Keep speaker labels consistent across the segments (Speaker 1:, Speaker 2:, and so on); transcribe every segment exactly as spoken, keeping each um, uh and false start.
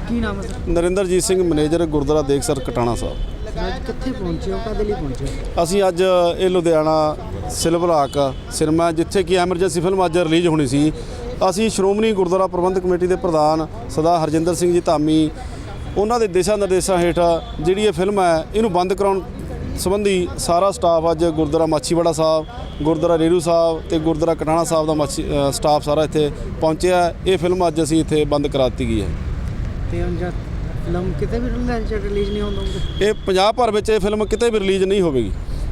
Speaker 1: ਕੀ ਨਾਮ ਹੈ sir?
Speaker 2: Narinderjit Singh manager gurdwara Dekhsar Katana Sahib.
Speaker 1: ਅੱਜ ਕਿੱਥੇ ਪਹੁੰਚੇ ਹੋ, ਕਦੇ ਲਈ ਪਹੁੰਚੇ ਹੋ?
Speaker 2: ਅਸੀਂ ਅੱਜ ਇਹ ਲੁਧਿਆਣਾ ਸਿਲਵਰ ਹਾਕ ਸਿਨੇਮਾ, ਜਿੱਥੇ ਕਿ ਐਮਰਜੈਂਸੀ ਫਿਲਮ ਅੱਜ ਰਿਲੀਜ਼ ਹੋਣੀ ਸੀ, ਅਸੀਂ ਸ਼੍ਰੋਮਣੀ ਗੁਰਦੁਆਰਾ ਪ੍ਰਬੰਧਕ ਕਮੇਟੀ ਦੇ ਪ੍ਰਧਾਨ ਸਰਦਾਰ ਹਰਜਿੰਦਰ ਸਿੰਘ ਜੀ ਧਾਮੀ, ਉਹਨਾਂ ਦੇ ਦਿਸ਼ਾ ਨਿਰਦੇਸ਼ਾਂ ਹੇਠ ਜਿਹੜੀ ਇਹ ਫਿਲਮ ਹੈ ਇਹਨੂੰ ਬੰਦ ਕਰਾਉਣ ਸੰਬੰਧੀ ਸਾਰਾ ਸਟਾਫ ਅੱਜ ਗੁਰਦੁਆਰਾ ਮਾਛੀਵਾੜਾ ਸਾਹਿਬ, ਗੁਰਦੁਆਰਾ ਰੇਰੂ ਸਾਹਿਬ ਤੇ ਗੁਰਦੁਆਰਾ ਕਟਾਣਾ ਸਾਹਿਬ ਦਾ ਮਾਛੀ ਅ, ਸਟਾਫ ਸਾਰਾ ਇੱਥੇ ਪਹੁੰਚਿਆ। ਇਹ ਫਿਲਮ ਅੱਜ ਅਸੀਂ ਇੱਥੇ ਬੰਦ ਕਰਾ ਦਿੱਤੀ ਗਈ ਹੈ।
Speaker 1: ਤੇ ਹੁਣ ਜਦ ਫਿਲਮ ਕਿਤੇ ਵੀ ਰਿਲੀਜ਼ ਨਹੀਂ ਹੋਣੀ,
Speaker 2: ਇਹ ਪੰਜਾਬ ਭਰ ਵਿੱਚ ਇਹ ਫਿਲਮ ਕਿਤੇ ਵੀ ਰਿਲੀਜ਼ ਨਹੀਂ ਹੋਵੇਗੀ।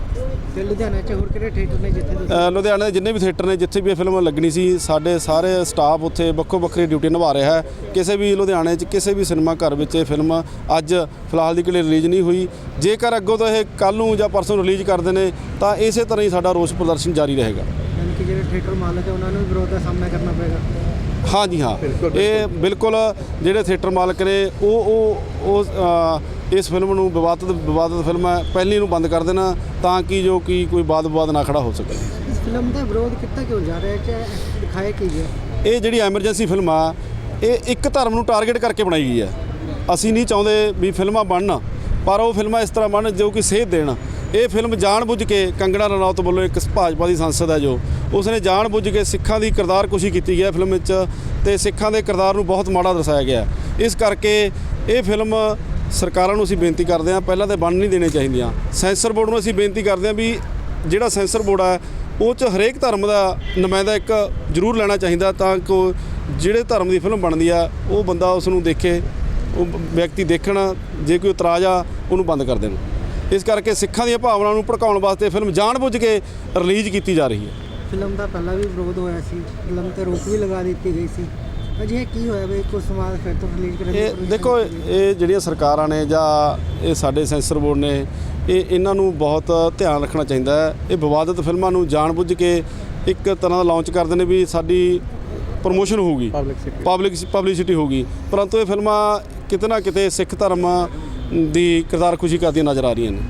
Speaker 1: ਤੇ ਲੁਧਿਆਣਾ 'ਚ ਹੋਰ ਕਿਹੜੇ ਥੀਏਟਰ ਨੇ ਜਿੱਥੇ ਤੁਸੀਂ?
Speaker 2: ਅ, ਲੁਧਿਆਣੇ ਦੇ ਜਿੰਨੇ ਵੀ ਥੀਏਟਰ ਨੇ ਜਿੱਥੇ ਵੀ ਇਹ ਫਿਲਮ ਲੱਗਣੀ ਸੀ, ਸਾਡੇ ਸਾਰੇ ਸਟਾਫ ਉੱਥੇ ਵੱਖੋ ਵੱਖਰੀ ਡਿਊਟੀ ਨਿਭਾ ਰਿਹਾ ਹੈ। ਕਿਸੇ ਵੀ ਲੁਧਿਆਣੇ 'ਚ ਕਿਸੇ ਵੀ ਸਿਨੇਮਾ ਘਰ ਵਿੱਚ ਇਹ ਫਿਲਮ ਅੱਜ ਫਿਲਹਾਲ ਦੀ ਘੜੀ ਰਿਲੀਜ਼ ਨਹੀਂ ਹੋਈ। ਜੇਕਰ ਅੱਗੋਂ ਤੋਂ ਇਹ ਕੱਲ੍ਹ ਨੂੰ ਜਾਂ ਪਰਸੋਂ ਰਿਲੀਜ਼ ਕਰਦੇ ਨੇ ਤਾਂ ਇਸੇ ਤਰ੍ਹਾਂ ਹੀ ਸਾਡਾ ਰੋਸ ਪ੍ਰਦਰਸ਼ਨ ਜਾਰੀ ਰਹੇਗਾ।
Speaker 1: ਯਾਨੀ ਕਿ ਜਿਹੜੇ ਥੀਏਟਰ ਮਾਲਕ ਹੈ ਉਹਨਾਂ ਨੂੰ ਵੀ ਵਿਰੋਧ ਦਾ ਸਾਹਮਣਾ ਕਰਨਾ ਪਏਗਾ।
Speaker 2: ਹਾਂ ਜੀ ਹਾਂ, ਇਹ ਬਿਲਕੁਲ ਜਿਹੜੇ ਥੀਏਟਰ ਮਾਲਕ ਨੇ ਉਹ ਉਹ ਉਹ ਅ, ਇਸ ਫਿਲਮ ਨੂੰ ਵਿਵਾਦਤ ਵਿਵਾਦਤ ਫਿਲਮ ਹੈ, ਪਹਿਲੀ ਨੂੰ ਬੰਦ ਕਰ ਦੇਣਾ ਤਾਂ ਕਿ ਜੋ ਕਿ ਕੋਈ ਵਾਦ ਵਿਵਾਦ ਨਾ ਖੜਾ ਹੋ ਸਕੇ।
Speaker 1: ਇਸ ਫਿਲਮ ਦਾ ਵਿਰੋਧ ਕੀਤਾ ਕਿਉਂ ਜਾ ਰਿਹਾ ਹੈ, ਦਿਖਾਇਆ ਕੀ ਗਿਆ?
Speaker 2: ਇਹ ਜਿਹੜੀ ਐਮਰਜੈਂਸੀ ਫਿਲਮ ਆ ਇਹ ਇੱਕ ਧਰਮ ਨੂੰ ਟਾਰਗੇਟ ਕਰਕੇ ਬਣਾਈ ਗਈ ਹੈ। ਅਸੀਂ ਨਹੀਂ ਚਾਹੁੰਦੇ ਵੀ ਫਿਲਮਾਂ ਬਣਨ, ਪਰ ਉਹ ਫਿਲਮਾਂ ਇਸ ਤਰ੍ਹਾਂ ਬਣਨ ਜੋ ਕਿ ਸੇਧ ਦੇਣ। ਇਹ ਫਿਲਮ ਜਾਣ-ਬੁੱਝ ਕੇ ਕੰਗਣਾ ਰਣੌਤ ਵੱਲੋਂ ਇੱਕ ਭਾਜਪਾ ਦੀ ਸੰਸਦ ਹੈ ਜੋ ਉਸਨੇ ਜਾਣ-ਬੁੱਝ ਕੇ ਸਿੱਖਾਂ ਦੀ ਕਿਰਦਾਰਕੁਸ਼ੀ ਕੀਤੀ ਗਈ ਹੈ ਫਿਲਮ ਵਿੱਚ, ਤੇ ਸਿੱਖਾਂ ਦੇ ਕਿਰਦਾਰ ਨੂੰ ਬਹੁਤ ਮਾੜਾ ਦਰਸਾਇਆ ਗਿਆ। ਇਸ ਕਰਕੇ ਇਹ ਫਿਲਮ ਸਰਕਾਰਾਂ ਨੂੰ ਅਸੀਂ ਬੇਨਤੀ ਕਰਦੇ ਹਾਂ ਪਹਿਲਾਂ ਤਾਂ ਬਣ ਨਹੀਂ ਦੇਣੇ ਚਾਹੀਦੀਆਂ। ਸੈਂਸਰ ਬੋਰਡ ਨੂੰ ਅਸੀਂ ਬੇਨਤੀ ਕਰਦੇ ਹਾਂ ਵੀ ਜਿਹੜਾ ਸੈਂਸਰ ਬੋਰਡ ਹੈ ਉਹ 'ਚ ਹਰੇਕ ਧਰਮ ਦਾ ਨੁਮਾਇੰਦਾ ਇੱਕ ਜ਼ਰੂਰ ਲੈਣਾ ਚਾਹੀਦਾ ਤਾਂ ਕਿ ਜਿਹੜੇ ਧਰਮ ਦੀ ਫਿਲਮ ਬਣਦੀ ਆ ਉਹ ਬੰਦਾ ਉਸ ਨੂੰ ਦੇਖੇ, ਉਹ ਵਿਅਕਤੀ ਦੇਖਣ, ਜੇ ਕੋਈ ਇਤਰਾਜ਼ ਆ ਉਹਨੂੰ ਬੰਦ ਕਰ ਦੇਣ। ਇਸ ਕਰਕੇ ਸਿੱਖਾਂ ਦੀਆਂ ਭਾਵਨਾਵਾਂ ਨੂੰ ਭੜਕਾਉਣ ਵਾਸਤੇ ਫਿਲਮ ਜਾਣ-ਬੁੱਝ ਕੇ ਰਿਲੀਜ਼ ਕੀਤੀ ਜਾ ਰਹੀ ਹੈ।
Speaker 1: ਫਿਲਮ ਦਾ ਪਹਿਲਾਂ ਵੀ ਵਿਰੋਧ ਹੋਇਆ ਸੀ, ਫਿਲਮ 'ਤੇ ਰੋਕ ਵੀ ਲਗਾ ਦਿੱਤੀ ਗਈ ਸੀ। ਅਜੇ ਕੀ ਹੋਇਆ ਵੀ ਕੁਝ ਸਮਾਜ ਫਿਰ ਤੋਂ ਰਿਲੀਜ਼ ਕਰਨ ਦੀ
Speaker 2: ਇਹ
Speaker 1: ਕੋਸ਼ਿਸ਼
Speaker 2: ਦੇਖੋ,
Speaker 1: ਕੀਤੀ ਗਈ?
Speaker 2: ਇਹ ਜਿਹੜੀਆਂ ਸਰਕਾਰਾਂ ਨੇ ਜਾਂ ਇਹ ਸਾਡੇ ਸੈਂਸਰ ਬੋਰਡ ਨੇ, ਇਹ ਇਹਨਾਂ ਨੂੰ ਬਹੁਤ ਧਿਆਨ ਰੱਖਣਾ ਚਾਹੀਦਾ ਹੈ। ਇਹ ਵਿਵਾਦਤ ਫਿਲਮਾਂ ਨੂੰ ਜਾਣ-ਬੁੱਝ ਕੇ ਇੱਕ ਤਰ੍ਹਾਂ ਦਾ ਲਾਂਚ ਕਰਦੇ ਨੇ ਵੀ ਸਾਡੀ ਪ੍ਰਮੋਸ਼ਨ ਹੋਊਗੀ, ਪਬਲਿਕ ਪਬਲਿਸਿਟੀ ਹੋਊਗੀ, ਪਰੰਤੂ ਇਹ ਫਿਲਮਾਂ ਕਿਤੇ ਨਾ ਕਿਤੇ ਸਿੱਖ ਧਰਮ ਦੀ ਕਿਰਦਾਰਕੁਸ਼ੀ ਕਰਦੀਆਂ ਨਜ਼ਰ ਆ ਰਹੀਆਂ ਨੇ।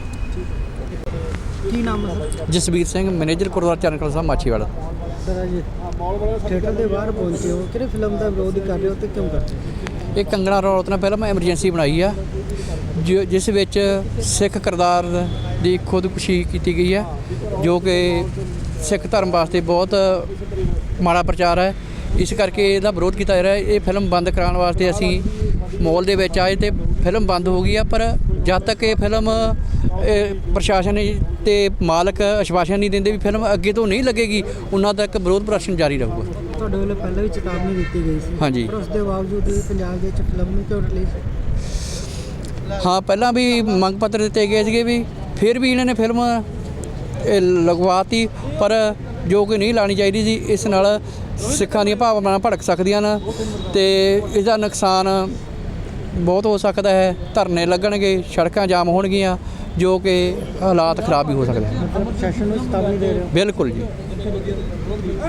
Speaker 1: ਕੀ ਨਾਮ ਹੈ sir?
Speaker 3: Jasvir Singh, manager gurdwara Charan Kalan Sahib Machhiwara.
Speaker 1: Sir ਅੱਜ ਥੀਏਟਰ ਦੇ ਬਾਹਰ ਪਹੁੰਚੇ ਹੋ, ਕਿਹੜੇ ਫਿਲਮ ਦਾ ਵਿਰੋਧ ਕਰ ਰਹੇ ਹੋ ਤੇ ਕਿਉਂ ਕਰ ਰਹੇ ਹੋ?
Speaker 3: ਇਹ ਕੰਗਣਾ ਰਣੌਤ ਨੇ ਫਿਲਮ ਐਮਰਜੈਂਸੀ ਬਣਾਈ ਆ, ਜਿ- ਜਿਸ ਵਿੱਚ ਸਿੱਖ ਕਿਰਦਾਰ ਦੀ ਖੁਦਕੁਸ਼ੀ ਕੀਤੀ ਗਈ ਹੈ, ਜੋ ਕਿ ਸਿੱਖ ਧਰਮ ਵਾਸਤੇ ਬਹੁਤ ਮਾੜਾ ਪ੍ਰਚਾਰ ਹੈ। ਇਸ ਕਰਕੇ ਇਹਦਾ ਵਿਰੋਧ ਕੀਤਾ ਜਾ ਰਿਹਾ ਹੈ। ਇਹ ਫਿਲਮ ਬੰਦ ਕਰਾਉਣ ਵਾਸਤੇ ਅਸੀਂ ਮਾਲ ਦੇ ਵਿੱਚ ਆਏ ਤੇ ਫਿਲਮ ਬੰਦ ਹੋ ਗਈ ਆ, ਪਰ ਜਦ ਤੱਕ ਇਹ ਫਿਲਮ ਇਹ ਪ੍ਰਸ਼ਾਸਨ ਤੇ ਮਾਲਕ ਆਸ਼ਵਾਸਨ ਨਹੀਂ ਦਿੰਦੇ ਵੀ ਫਿਲਮ ਅੱਗੇ ਤੋਂ ਨਹੀਂ ਲੱਗੇਗੀ, ਉਹਨਾਂ ਤੱਕ ਵਿਰੋਧ ਪ੍ਰਦਰਸ਼ਨ ਜਾਰੀ ਰਹੂਗਾ।
Speaker 1: ਤੁਹਾਡੇ ਵੱਲੋਂ ਪਹਿਲਾਂ ਵੀ ਚੇਤਾਵਨੀ ਦਿੱਤੀ ਗਈ ਸੀ,
Speaker 3: ਹਾਂਜੀ।
Speaker 1: ਪਰ ਉਸ ਦੇ ਬਾਵਜੂਦ ਵੀ ਪੰਜਾਬ ਦੇ ਵਿੱਚ ਫਿਲਮ ਨੂੰ ਕਿਉਂ ਰਿਲੀਜ਼?
Speaker 3: ਹਾਂ, ਪਹਿਲਾਂ ਵੀ ਮੰਗ ਪੱਤਰ ਦਿੱਤੇ ਗਏ ਸੀਗੇ ਵੀ ਫਿਰ ਵੀ ਇਹਨਾਂ ਨੇ ਫਿਲਮ ਇਹ ਲਗਵਾਤੀ, ਪਰ ਜੋ ਕਿ ਨਹੀਂ ਲਾਣੀ ਚਾਹੀਦੀ ਸੀ। ਇਸ ਨਾਲ ਸਿੱਖਾਂ ਦੀਆਂ ਭਾਵਨਾਵਾਂ ਭੜਕ ਸਕਦੀਆਂ ਨੇ ਤੇ ਇਹਦਾ ਨੁਕਸਾਨ ਬਹੁਤ ਹੋ ਸਕਦਾ ਹੈ। ਧਰਨੇ ਲੱਗਣਗੇ, ਸੜਕਾਂ ਜਾਮ ਹੋਣਗੀਆਂ, ਜੋ ਕਿ ਹਾਲਾਤ ਖਰਾਬ ਵੀ ਹੋ ਸਕਦੇ ਹਨ।
Speaker 1: ਪ੍ਰਸ਼ਾਸਨ ਨੂੰ ਚੇਤਾਵਨੀ ਦੇ ਰਹੇ ਹੋ?
Speaker 3: ਬਿਲਕੁਲ ਜੀ।